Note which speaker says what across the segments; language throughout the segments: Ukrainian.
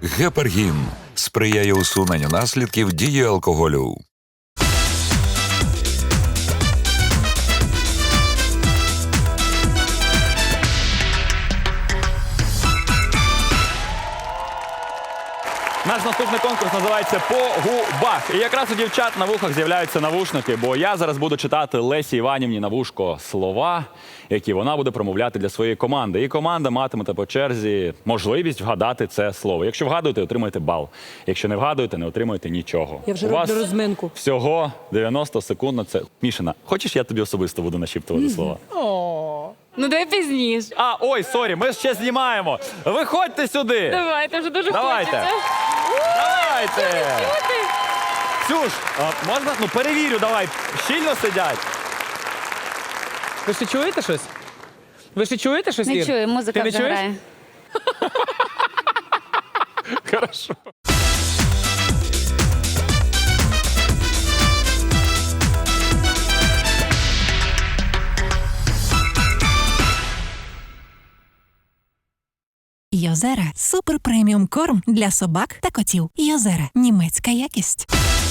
Speaker 1: Гепаргін сприяє усуненню наслідків дії алкоголю.
Speaker 2: Наш наступний конкурс називається «По губах». І якраз у дівчат на вухах з'являються навушники, бо я зараз буду читати Лесі Іванівні на вушко слова, які вона буде промовляти для своєї команди. І команда матиме по черзі можливість вгадати це слово. Якщо вгадуєте, отримаєте бал. Якщо не вгадуєте, не отримуєте нічого.
Speaker 3: Я вже
Speaker 2: У вас
Speaker 3: роблю розминку.
Speaker 2: всього 90 секунд на це. Мішина, хочеш, я тобі особисто буду нашіптувати слова?
Speaker 4: Ну давай пізніше.
Speaker 2: Ой, сорі, ми ще знімаємо. Виходьте сюди.
Speaker 4: Давайте, вже дуже
Speaker 2: Давайте.
Speaker 4: хочеться.
Speaker 2: Давайте. Ксюш, можна? Ну перевірю, давай. Щільно сидять.
Speaker 5: Ви ще чуєте щось? Ви ще чуєте щось,
Speaker 4: Не
Speaker 5: Ір?
Speaker 4: чую, музика
Speaker 5: Ти не
Speaker 4: вже
Speaker 5: чуєш?
Speaker 4: грає.
Speaker 2: Хорошо.
Speaker 6: Йозера – супер преміум корм для собак та котів. Йозера – німецька якість.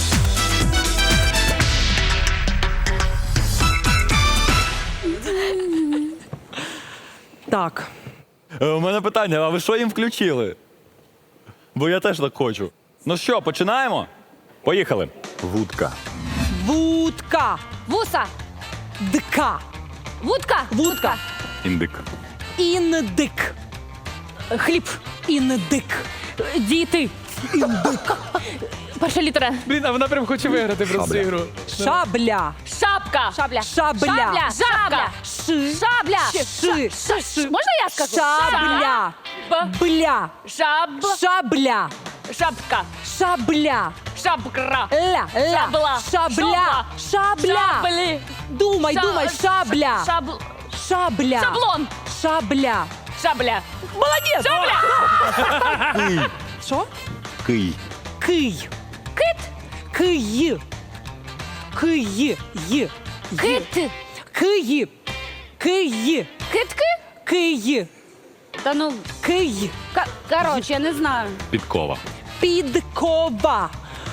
Speaker 3: Так.
Speaker 2: У мене питання, а ви що їм включили? Бо я теж так хочу. Ну що, починаємо? Поїхали. Вудка.
Speaker 3: Вудка.
Speaker 4: Вуса.
Speaker 3: Дка.
Speaker 4: Вудка.
Speaker 3: Вудка.
Speaker 2: Індик.
Speaker 3: Індик. Хліб. Індик.
Speaker 4: Діти. Перша літера.
Speaker 5: Блін, а вона прям хоче виграти просто ігру.
Speaker 3: Шабля.
Speaker 4: Шапка. Шабля.
Speaker 3: Шабля.
Speaker 4: Шапка.
Speaker 3: Ши.
Speaker 4: Шабля.
Speaker 3: Ши. Ши.
Speaker 4: Можна я скажу?
Speaker 3: Шабля. Бля. Шабля.
Speaker 4: Шапка.
Speaker 3: Шабля.
Speaker 4: Шапкра.
Speaker 3: Ля.
Speaker 4: Шабла.
Speaker 3: Шабля. Шабля.
Speaker 4: Шаблі.
Speaker 3: Думай, думай. Шабля. Шабля.
Speaker 4: Шаблон.
Speaker 3: Шабля.
Speaker 4: Шабля.
Speaker 3: Молодець.
Speaker 4: Шабля.
Speaker 3: Що?
Speaker 2: Кий.
Speaker 3: Кий.
Speaker 4: Кит.
Speaker 3: Кий. Кий. Й.
Speaker 4: Кит.
Speaker 3: Кий. Кий.
Speaker 4: Китки?
Speaker 3: Кий.
Speaker 4: Та ну,
Speaker 3: Кий.
Speaker 4: коротше, я не знаю.
Speaker 2: Підкова.
Speaker 3: Підкова.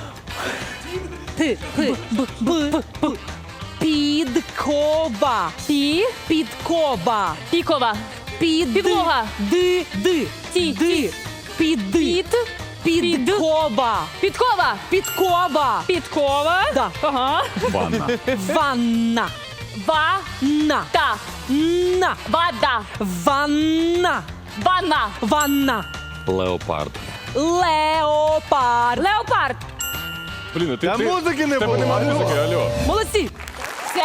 Speaker 3: П. П. Б. Б. П. Підкова. Підкова.
Speaker 4: Пікова. Підлога.
Speaker 3: Ди. Ди.
Speaker 4: Ті.
Speaker 3: Ди. Піди. Підкова.
Speaker 4: Підкова.
Speaker 3: Підкова.
Speaker 4: Підкова.
Speaker 3: Да.
Speaker 4: Ага.
Speaker 2: Ванна.
Speaker 3: Ванна.
Speaker 4: Вата.
Speaker 3: На. На.
Speaker 4: Вода.
Speaker 3: Ванна.
Speaker 4: Ванна.
Speaker 3: Ванна.
Speaker 2: Леопард.
Speaker 3: Леопард.
Speaker 4: Леопард.
Speaker 2: Блін,
Speaker 7: Та музики не було.
Speaker 2: алло.
Speaker 3: Молодці.
Speaker 4: Все?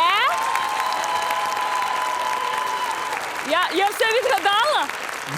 Speaker 4: Я все відгадала?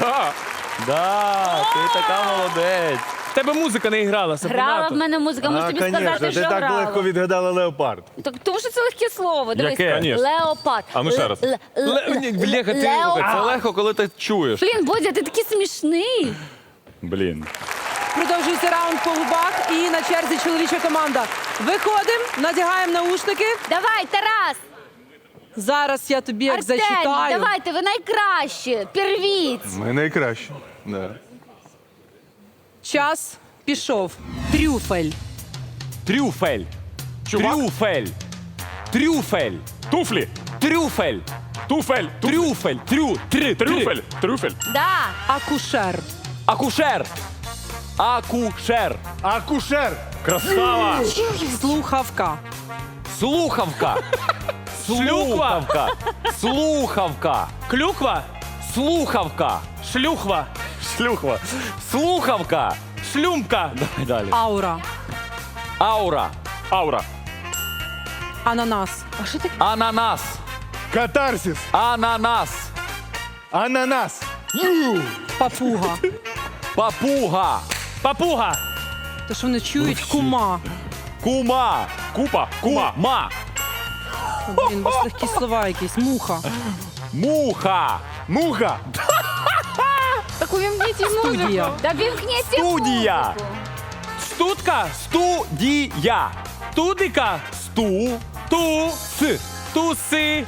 Speaker 2: Да, ти така молодець.
Speaker 5: В тебе музика не грала,
Speaker 4: Грала
Speaker 5: Сапоната.
Speaker 4: в мене музика, можу тобі сказати,
Speaker 7: ти
Speaker 4: що
Speaker 7: так
Speaker 4: грала.
Speaker 7: легко відгадала леопард.
Speaker 4: Так, тому що це легке слово. Дивись.
Speaker 2: Яке? Конечно.
Speaker 4: Леопард.
Speaker 2: А ну ще раз.
Speaker 5: Бляха, ти-
Speaker 2: Це легко, коли ти чуєш.
Speaker 4: Блін, Бодя, ти такий смішний.
Speaker 2: Блін.
Speaker 3: Продовжується раунд по губах і на черзі чоловіча команда. Виходимо, надягаємо наушники.
Speaker 4: Давай, Тарас.
Speaker 3: Зараз я тобі як
Speaker 4: Артемій,
Speaker 3: зачитаю.
Speaker 4: давайте, ви найкраще. Первіть.
Speaker 7: Ми найкраще. Да.
Speaker 3: Час пішов. Трюфель.
Speaker 2: Трюфель. Трюфель. Трюфель.
Speaker 8: Туфлі.
Speaker 2: Трюфель.
Speaker 8: Туфель.
Speaker 2: Трюфель.
Speaker 8: Трюфель. Трюфель.
Speaker 4: Да.
Speaker 3: Акушер.
Speaker 2: Акушер. Акушер.
Speaker 7: Акушер.
Speaker 8: Красава.
Speaker 3: Слухавка.
Speaker 2: Слухавка. Слухавка. Слухавка.
Speaker 5: Клюква.
Speaker 2: Слухавка.
Speaker 5: Шлюхва.
Speaker 2: Шлюхва. Слухавка.
Speaker 5: Шлюмка.
Speaker 2: Давай далі.
Speaker 3: Аура.
Speaker 2: Аура.
Speaker 8: Аура.
Speaker 3: Ананас.
Speaker 2: Ананас.
Speaker 7: Катарсис.
Speaker 2: Ананас.
Speaker 7: Ананас.
Speaker 3: Папуга.
Speaker 2: Папуга.
Speaker 5: Папуга.
Speaker 3: То що вони чують? Кума.
Speaker 2: Кума.
Speaker 8: Купа. Кума.
Speaker 2: Ма.
Speaker 3: Блін, бо ж легкі слова якісь. Муха.
Speaker 2: Муха.
Speaker 7: Муха.
Speaker 4: Так увімкніть музику.
Speaker 3: Студія.
Speaker 4: Да вімкніть
Speaker 2: Студія.
Speaker 4: музику.
Speaker 5: Стутка.
Speaker 2: Студія.
Speaker 5: Тудика.
Speaker 2: Сту.
Speaker 5: Ту.
Speaker 2: С.
Speaker 5: Туси.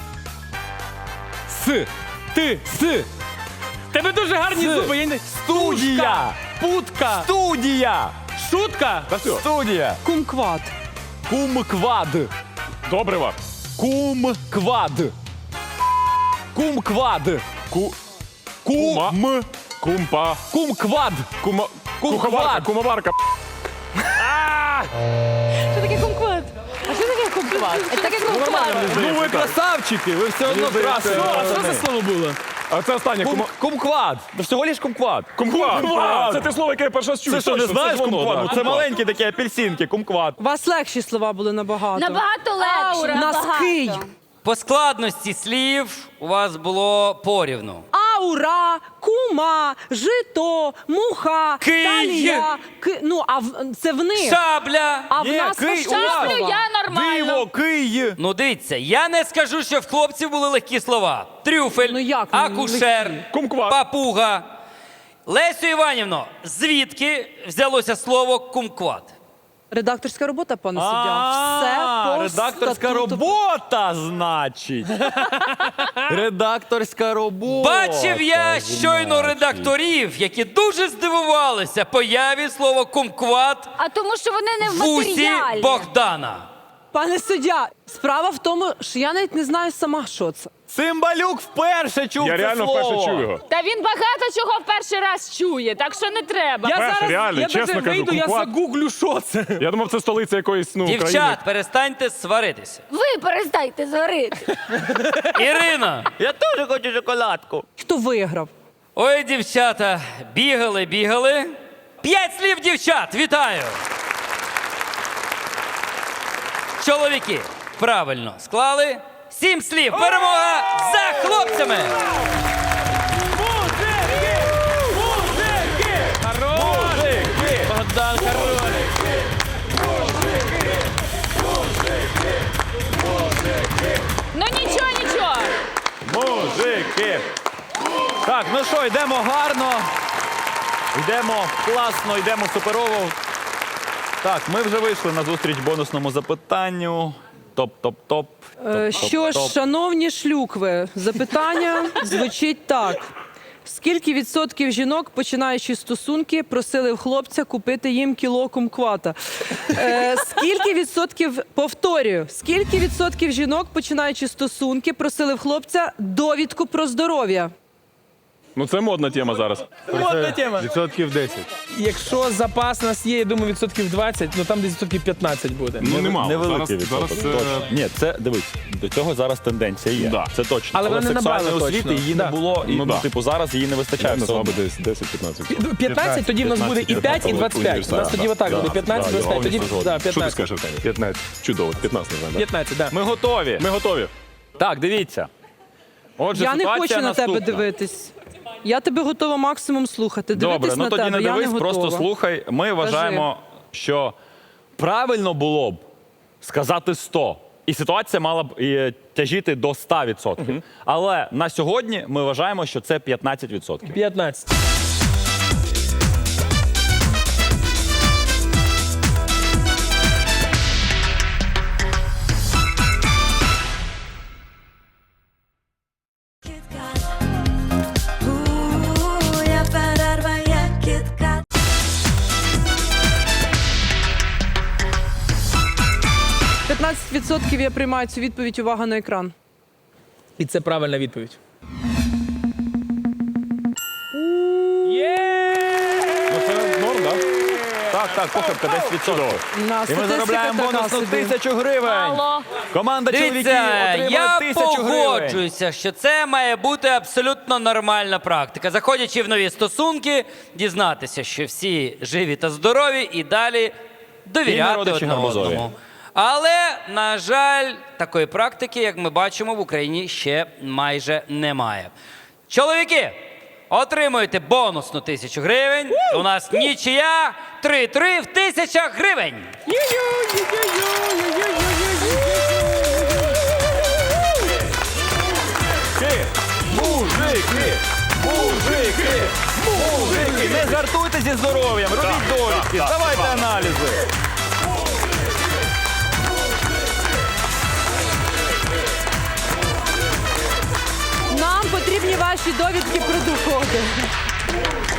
Speaker 2: С.
Speaker 5: Ти.
Speaker 2: С.
Speaker 5: Тебе дуже гарні
Speaker 2: С.
Speaker 5: зуби. Я не...
Speaker 2: Студія.
Speaker 5: Попутка.
Speaker 2: Студія!
Speaker 5: Шутка.
Speaker 8: Та все.
Speaker 2: Студія!
Speaker 3: Кумквад.
Speaker 2: Кумквад!
Speaker 8: Добрива.
Speaker 2: Кумквад! Кумквад!
Speaker 8: Кума.
Speaker 2: Кум...
Speaker 8: Кумпа.
Speaker 2: Кумквад!
Speaker 8: Кумоварка.
Speaker 2: Кумквад!
Speaker 8: Кумоварка.
Speaker 3: Що таке кумквад? А що таке кумквад? Що таке кумквад?
Speaker 2: Ну ви красавчики, ви все одно красиві.
Speaker 5: Що за слово було?
Speaker 8: А це останнє.
Speaker 2: Кумквад! Це всього лиш кумквад.
Speaker 8: Кумква. Це те слово, яке я перший раз чую.
Speaker 2: Це що, не
Speaker 8: Точно,
Speaker 2: знаєш
Speaker 8: ж воно,
Speaker 2: кумквад?
Speaker 8: да.
Speaker 2: Ну, це маленькі такі апельсинки, кумквад.
Speaker 3: У вас легші слова були набагато.
Speaker 4: Набагато легше.
Speaker 3: Носки.
Speaker 4: набагато.
Speaker 9: По складності слів у вас було порівну.
Speaker 3: Аура, кума, жито, муха,
Speaker 9: Кий.
Speaker 3: талія. Ну, це в них.
Speaker 9: Шабля.
Speaker 3: А в
Speaker 2: Є,
Speaker 3: нас
Speaker 2: кий,
Speaker 3: важкі
Speaker 2: у нас.
Speaker 3: слова.
Speaker 4: Шаблю я нормально.
Speaker 2: Диво, кий!
Speaker 9: Ну дивіться, я не скажу, що в хлопців були легкі слова. Трюфель,
Speaker 3: Ну, як
Speaker 9: акушер,
Speaker 3: легкі?
Speaker 8: Кумкват.
Speaker 9: папуга. Лесю Іванівно, звідки взялося слово кумкват?
Speaker 3: Редакторська робота, пане суддя. Все по
Speaker 2: редакторська
Speaker 3: статуту.
Speaker 2: робота, значить. Редакторська робота.
Speaker 9: Бачив я щойно
Speaker 2: значить.
Speaker 9: редакторів, які дуже здивувалися появі слова кумкват
Speaker 4: А тому, що вони не в
Speaker 9: в усі
Speaker 4: матеріалі.
Speaker 9: Богдана.
Speaker 3: Пане суддя, справа в тому, що я навіть не знаю сама, що це.
Speaker 2: Цимбалюк вперше чув
Speaker 8: Я
Speaker 2: це
Speaker 8: реально
Speaker 2: слово.
Speaker 8: вперше чую його.
Speaker 4: Та він багато чого в перший раз чує, так що не треба.
Speaker 5: Я
Speaker 8: Перше,
Speaker 5: зараз,
Speaker 8: реально,
Speaker 5: я
Speaker 8: чесно
Speaker 5: даже
Speaker 8: кажу,
Speaker 5: вийду, я
Speaker 8: кумкват.
Speaker 5: загуглю, що це.
Speaker 8: Я думав, це столиця якоїсь, країни.
Speaker 9: Дівчат, перестаньте сваритися.
Speaker 4: Ви перестайте зварити.
Speaker 9: Ірина,
Speaker 2: Я теж хочу шоколадку.
Speaker 3: Хто виграв?
Speaker 9: ой, дівчата, бігали. 5 слів, дівчат, вітаю! Чоловіки, правильно склали. 7 слів. Перемога за хлопцями!
Speaker 2: Богдан Королик.
Speaker 4: Ну нічого.
Speaker 2: Мужики. Так, ну що, йдемо гарно. Йдемо класно, йдемо суперово. Так, ми вже вийшли на зустріч бонусному запитанню. Топ-топ-топ.
Speaker 3: Що ж, шановні шлюкви, запитання звучить так. Скільки відсотків жінок, починаючи стосунки, просили в хлопця купити їм кіло кумквата? Скільки відсотків, повторюю, скільки відсотків жінок, починаючи стосунки, просили в хлопця довідку про здоров'я?
Speaker 8: Ну це модна тема зараз.
Speaker 5: Модна тема.
Speaker 7: Відсотків 10.
Speaker 5: Якщо запас у нас є, я думаю, відсотків 20, ну там десь відсотків 15 буде.
Speaker 8: Ну немало.
Speaker 2: Невеликий
Speaker 8: Зараз,
Speaker 2: відсоток. точно. Ні, це, дивись, до цього зараз тенденція є.
Speaker 8: Да.
Speaker 2: Це точно.
Speaker 5: Але вона не
Speaker 2: сексуальної
Speaker 5: набрала
Speaker 2: освіти
Speaker 5: точно.
Speaker 2: її
Speaker 5: Да.
Speaker 2: не було, і,
Speaker 8: Ну, да.
Speaker 2: типу, зараз її не вистачає. все одно.
Speaker 8: десь 10-15.
Speaker 5: 15, тоді в нас буде і 5, і 25. У нас тоді отак буде 15, 25, тоді да,
Speaker 8: Що ти
Speaker 5: 15.
Speaker 8: скажеш, Аркадій? 15. Чудово, 15 не знаю.
Speaker 5: 15, да.
Speaker 2: Ми готові.
Speaker 8: Ми готові.
Speaker 2: Так, дивіться. Отже,
Speaker 3: Я не
Speaker 2: ситуація
Speaker 3: хочу на тебе
Speaker 2: наступна.
Speaker 3: дивитись. Я тебе готова максимум слухати.
Speaker 2: Добре,
Speaker 3: Дивитись
Speaker 2: ну
Speaker 3: на
Speaker 2: тоді
Speaker 3: тебе,
Speaker 2: не
Speaker 3: я
Speaker 2: дивись,
Speaker 3: не
Speaker 2: просто
Speaker 3: готова.
Speaker 2: слухай. Ми вважаємо, що правильно було б сказати 100. І ситуація мала б тяжіти до 100%. Але на сьогодні ми вважаємо, що це 15%.
Speaker 5: 15.
Speaker 10: Я перерва, як кітка.
Speaker 3: – 15% я приймаю цю відповідь. Увага на екран.
Speaker 5: І це правильна відповідь.
Speaker 8: Ну це норм, так?
Speaker 2: Так, похибка 10%.
Speaker 3: На
Speaker 2: І ми заробляємо бонусну 1000 гривень.
Speaker 4: Алло.
Speaker 2: Команда чоловіків
Speaker 9: Дивіться,
Speaker 2: отримує
Speaker 9: я
Speaker 2: 1000 гривень.
Speaker 9: погоджуюся, що це має бути абсолютно нормальна практика. Заходячи в нові стосунки, дізнатися, що всі живі та здорові, і далі
Speaker 2: І
Speaker 9: довіряти
Speaker 2: народичі
Speaker 9: одне
Speaker 2: гарбузові.
Speaker 9: одному. Але, на жаль, такої практики, як ми бачимо, в Україні ще майже немає. Чоловіки, отримуєте бонусну 1000 гривень. У нас нічия 3-3 в 1000 гривень.
Speaker 2: Мужики! Не жартуйте зі здоров'ям, робіть довідки, давайте аналізи.
Speaker 3: Нам потрібні ваші довідки про доходи.